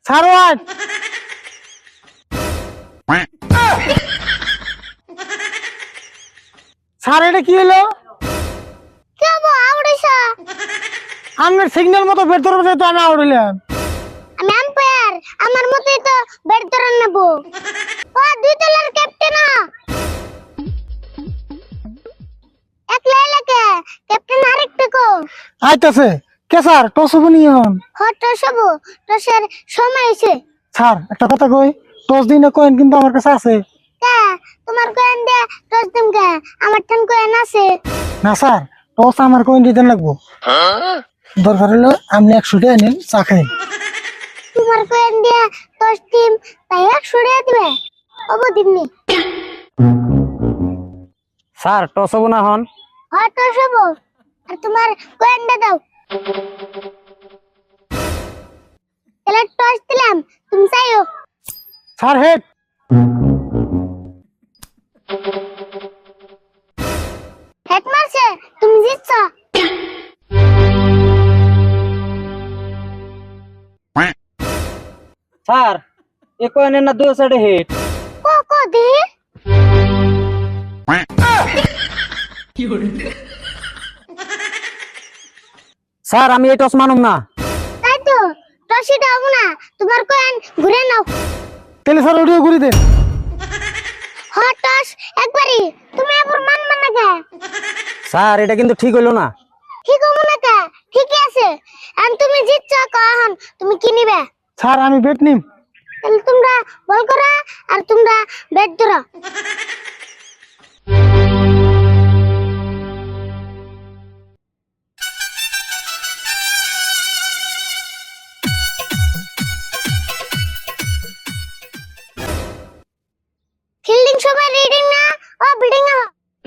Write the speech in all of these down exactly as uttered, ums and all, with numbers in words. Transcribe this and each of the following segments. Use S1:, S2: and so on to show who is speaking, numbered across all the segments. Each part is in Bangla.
S1: ছাড়ো আজ স্যার এটা কি হলো?
S2: কেবো আউড়িছা
S1: আপনার সিগন্যাল মতো বের ধরবে তো আমি আউড়িলাম।
S2: আমি আম্পায়ার আমার মতই তো বের ধরে নেব। ও দুই তলার ক্যাপ্টেন একলা এলাকে ক্যাপ্টেন আরেকটা কো
S1: আইতাছে কে স্যার টসবো নিয়ে হন।
S2: হট সব টসের সময় হইছে।
S1: স্যার একটা কথা কই, টস দিনে কয়েন কিন্তু আমার কাছে আছে।
S2: কে তোমার কয়েন দে টস দিম কে আমার ঠান কয়েন আছে।
S1: না স্যার টস আমার কয়েন দিতে লাগবো। দরকার হলো আপনি একশো টাকা নিন চা খাই।
S2: তোমার কয়েন দিয়ে টস টিম তাই একশো টাকা দিবে ওবো দিমনি।
S3: স্যার টস হবো না হন।
S2: হট সব আর তোমার কয়েন দে দাও। তাহলে টস দিলাম তুমি চাইও।
S1: স্যার হেড
S2: হেড মারছে তুমি জিতছ।
S3: স্যার এ কয়েনের না দুই সাইডে হিট।
S2: কো কো দি
S3: স্যার আমি এই টস মানুম না।
S2: তাই তো টসই দাও না তোমার কয়েন ঘুরে নাও।
S1: তাহলে স্যার ওটিও ঘুরি দেন।
S2: হট টস একবারই তুমি আবার মানবা না কে?
S3: স্যার এটা কিন্তু ঠিক হইলো না।
S2: ঠিক হবো না কে? ঠিকই আছে এখন তুমি জিতছ কখন তুমি কি নিবে?
S1: স্যার আমি বেট নিম।
S2: তাহলে তোমরা বল করা আর তোমরা ব্যাট ধরো। ফিল্ডিং সবাই রিডিং না ও বিল্ডিং না।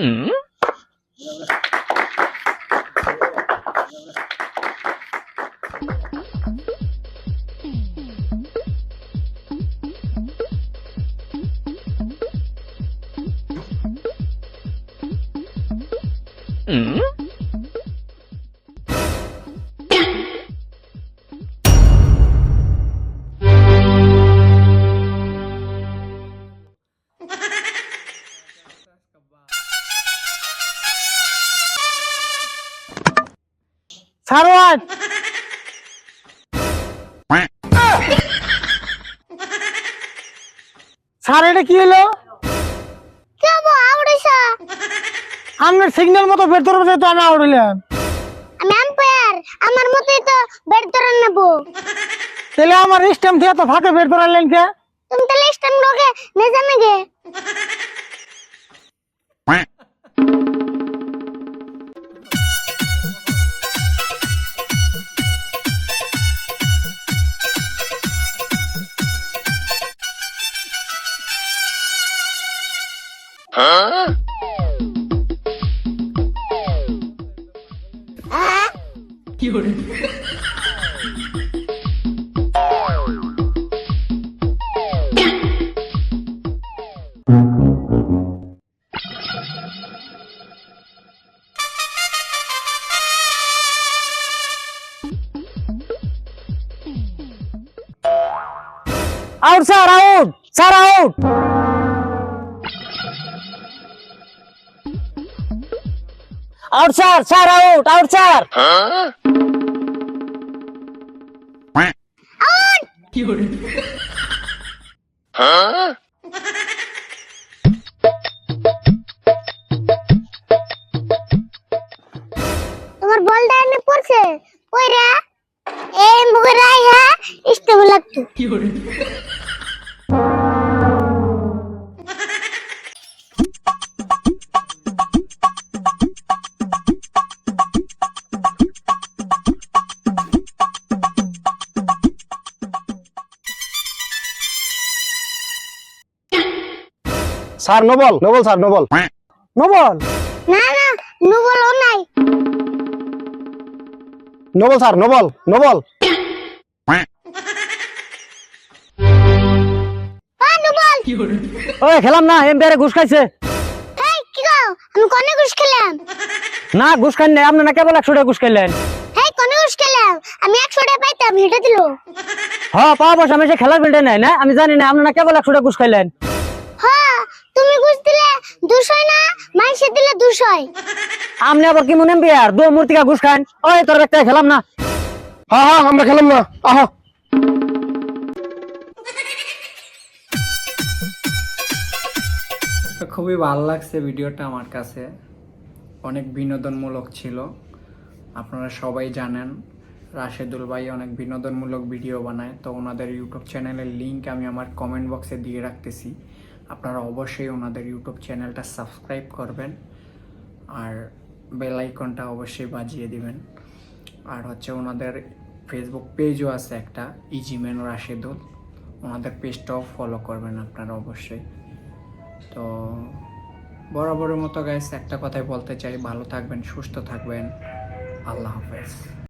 S1: ছাড়ো আজ স্যার এটা কি হলো?
S2: কেবো আউড়িছা
S1: আপনার সিগন্যাল মতো বের ধরবে তো আমি আউড়িলাম।
S2: আমি আম্পায়ার আমার মতই তো বের ধরে নেব।
S1: তাহলে আমার স্ট্যাম্প দিয়ে তো ফাঁকে বের ধরালেন কে?
S2: তুমি তাহলে স্ট্যান্ড লোকে নে জানে গে।
S3: Out sir out sir out. Out sir sir out out sir.
S2: তোমার বলটা এনে পড়ছে কইরা এই মুখে রাইহা স্টেবল লাগতো।
S3: Sir no ball no ball sir no ball.
S1: No ball
S2: না না নু বলো নাই।
S3: No ball sir no ball no ball.
S2: আ নু বল।
S3: ওই খেলাম না এমপিআরে ঘুষ খাইছে।
S2: এই কি গো আমি কোনে ঘুষ খেলাম?
S3: না ঘুষ খাই নাই আপনি না কেবল একশো টাকা ঘুষ খাইলেন।
S2: এই কোনে ঘুষ খেলাম? আমি একশো টাকা পাইতাম হেঁটে দিল।
S3: হ্যাঁ পাওয়া পয়সা আমি সে খেলার ফিল্ডে নাই না, আমি জানি না আপনারা কেবল একশো টাকা ঘুষ খাইলেন।
S2: হ্যাঁ তুমি ঘুষ দিলে দুশোই না, মাইসে দিলে দুশোই।
S3: আপনি আবার কি মনে বিয়ার দু মূর্তিকা ঘুষ খান? ওই তোর একটা খেলাম না।
S4: হ্যাঁ হ্যাঁ আমরা খেলাম না, আহা।
S5: তো খুবই ভালো লাগছে ভিডিওটা আমার কাছে, অনেক বিনোদনমূলক ছিল। আপনারা সবাই জানেন রাশেদুল ভাই অনেক বিনোদনমূলক ভিডিও বানায়, তো ওনাদের ইউটিউব চ্যানেলের লিংক আমি আমার কমেন্ট বক্সে দিয়ে রাখতেছি। আপনারা অবশ্যই ওনাদের ইউটিউব চ্যানেলটা সাবস্ক্রাইব করবেন আর বেল আইকনটা অবশ্যই বাজিয়ে দিবেন। আর হচ্ছে ওনাদের ফেসবুক পেজও আছে একটা, ইজিম্যান রাশেদুল, ওনাদের পেজটাও ফলো করবেন আপনারা অবশ্যই। তো বরাবরের মতো গাইস একটা কথাই বলতে চাই, ভালো থাকবেন, সুস্থ থাকবেন, আল্লাহ হাফেজ।